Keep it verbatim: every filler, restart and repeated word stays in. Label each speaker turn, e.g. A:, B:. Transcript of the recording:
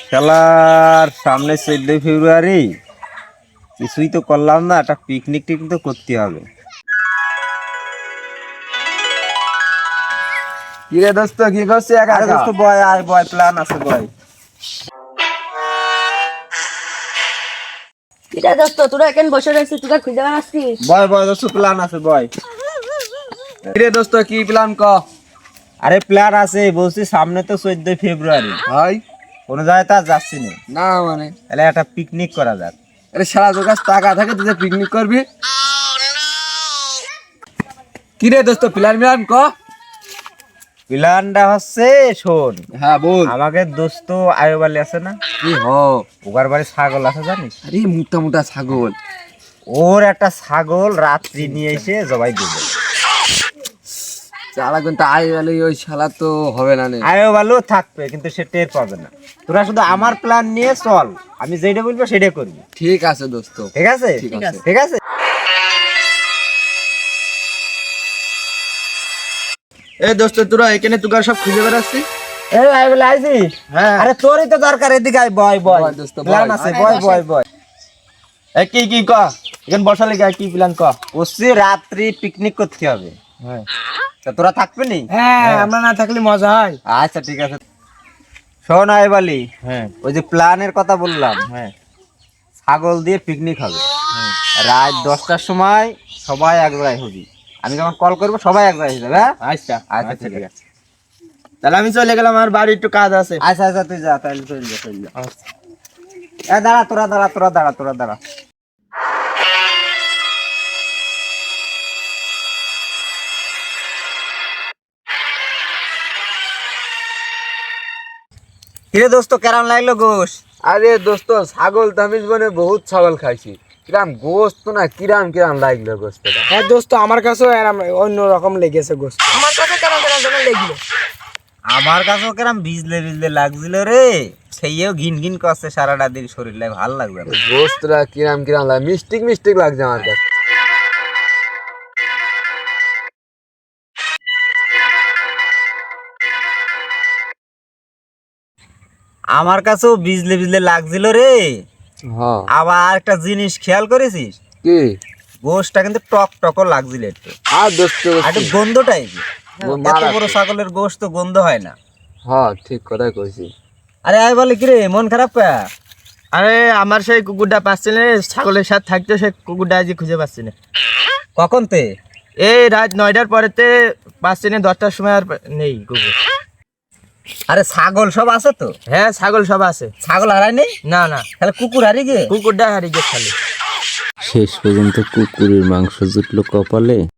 A: শালার সামনে চোদ্দই ফেব্রুয়ারি, কিছুই তো করলাম না, একটা পিকনিক টিকনিক তো করতে হবে।
B: কি রে দোস্ত, কি করছিস একা
A: আরে
B: একা?
A: দোস্ত বয়, আয় বয়, প্ল্যান আছে বয়।
C: কিরে দোস্ত, তোরা এখানে বসে রয়েছিস, তোরা খুঁজে বেড়াচ্ছিস?
A: বয় বয় দোস্ত, প্ল্যান আছে বয়।
B: কি রে দোস্ত, কি প্ল্যান ক?
A: আরে প্ল্যান আছে বলছি, সামনে তো চোদ্দই ফেব্রুয়ারি,
B: ভাই
A: কোনো জায়গায় তো আর যাচ্ছি না,
B: না মানে
A: তাহলে একটা পিকনিক করা যাক।
B: আরে সারা তোর কাছে টাকা থাকে তুই পিকনিক করবি? কি রে দোস্ত, প্ল্যান প্ল্যান ক।
A: প্ল্যানটা হচ্ছে শোন,
B: হ্যাঁ বল।
A: আমাকে দোস্ত আয়ুব আলী আছে না,
B: কি হ?
A: ওগার বাড়ি ছাগল আছে জানিস?
B: আরে মোটা মোটা ছাগল।
A: ওর একটা ছাগল রাত্রি নিয়ে এসে জবাই দেবে।
B: চালা কিন্তু আই গেলে ওই শালা তো হবে না নে।
A: আয়ুব আলু থাকবে কিন্তু সে টের পাবে না। তোরা শুধু আমার প্ল্যান নিয়ে চল, আমি যেটা বলবো সেটা করবি।
B: ঠিক আছে দোস্ত।
A: ঠিক আছে
B: ঠিক আছে।
A: ঠিক আছে।
B: এই দোস্ত, তোরা এখানে তুকার সব খুঁজে বেড়াচ্ছিস?
A: এই আয়ুব আলী আইছিস?
B: হ্যাঁ।
A: আরে তোরই তো দরকার, এদিকে আয়, বয় বয়,
B: বয় দোস্ত, বয়।
A: প্ল্যান আছে, বয় বয় বয়।
B: এই কি কি ক, এখানে বসালে গায় কি প্ল্যান ক?
A: বলছি রাত্রি পিকনিক করতে হবে,
B: হ্যাঁ
A: তা তোরা থাকবি নি?
B: হ্যাঁ, আমরা না থাকলে মজা হয়।
A: আচ্ছা ঠিক আছে। শোন আয়ুব আলী,
B: হ্যাঁ
A: ওই যে প্ল্যানের কথা বললাম,
B: হ্যাঁ
A: ছাগল দিয়ে পিকনিক হবে, রাত দশটার সময় সবাই এক জায়গায় হবি। আমি যখন কল করবো সবাই এক জায়গায় হয়ে যাবে। হ্যাঁ
B: আচ্ছা
A: আচ্ছা ঠিক আছে।
B: তাহলে আমি চলে গেলাম, আমার বাড়ি একটু কাজ আছে।
A: আচ্ছা আচ্ছা তুই যা, তাহলে চল যা চল যা। এ দাঁড়া, তোরা দাঁড়া, তোরা দাঁড়া, তোরা দাঁড়া। কিরে দোস্ত, কেমন লাগলো গোশ?
B: আরে দোস্ত, ছাগল তো আমি জীবনে বহুত ছাগল খাইছি, কিরাম গোস্ত না, কিরাম কিরাম লাগলো গোস্তটা।
D: হ্যাঁ দোস্ত, আমার কাছেও এরম অন্য রকম লেগেছে গোস্ত।
C: আমার কাছে কেমন কেমন যেন লেগলো।
A: আমার কাছেও কেরাম ভিজলে ভিজলে লাগছিল রে, সেইও ঘিন ঘিন করছে সারাটা দিন, শরীরটা ভালো লাগবে না।
B: গোস্তটা কিরাম কিরাম লাগে, মিষ্টিক মিষ্টিক লাগছে আমার কাছে।
A: আমার কাছেও ভিজলে ভিজলে লাগছিল রে।
B: হ্যাঁ।
A: আবার একটা জিনিস খেয়াল করেছিস,
B: কি?
A: গোশটা কিন্তু টক টকও লাগছিল একটু,
B: আর দোস্ত
A: আর একটু গন্ধ টাইপের। এত বড় ছাগলের গোশ তো গন্ধ হয় না।
B: হ্যাঁ ঠিক কথাই কইছি।
A: আরে আয় বলে কিরে, মন খারাপ পা?
D: আরে আমার সেই কুকুরটা পাচ্ছি না, ছাগলের সাথে থাকতে সেই কুকুরটা আজ খুঁজে পাচ্ছি না।
A: কখন তে?
D: এই রাত নয়টার পরেতে পাচ্ছি না, দশটার সময় আর নেই কুকুর।
A: আরে ছাগল সব আছে তো?
D: হ্যাঁ ছাগল সব আছে।
A: ছাগল হারাই নেই?
D: না না,
A: তাহলে কুকুর হারিয়ে গে?
D: কুকুরটা হারিয়ে গেছে খালি।
E: শেষ পর্যন্ত কুকুরের মাংস জুটলো কপালে।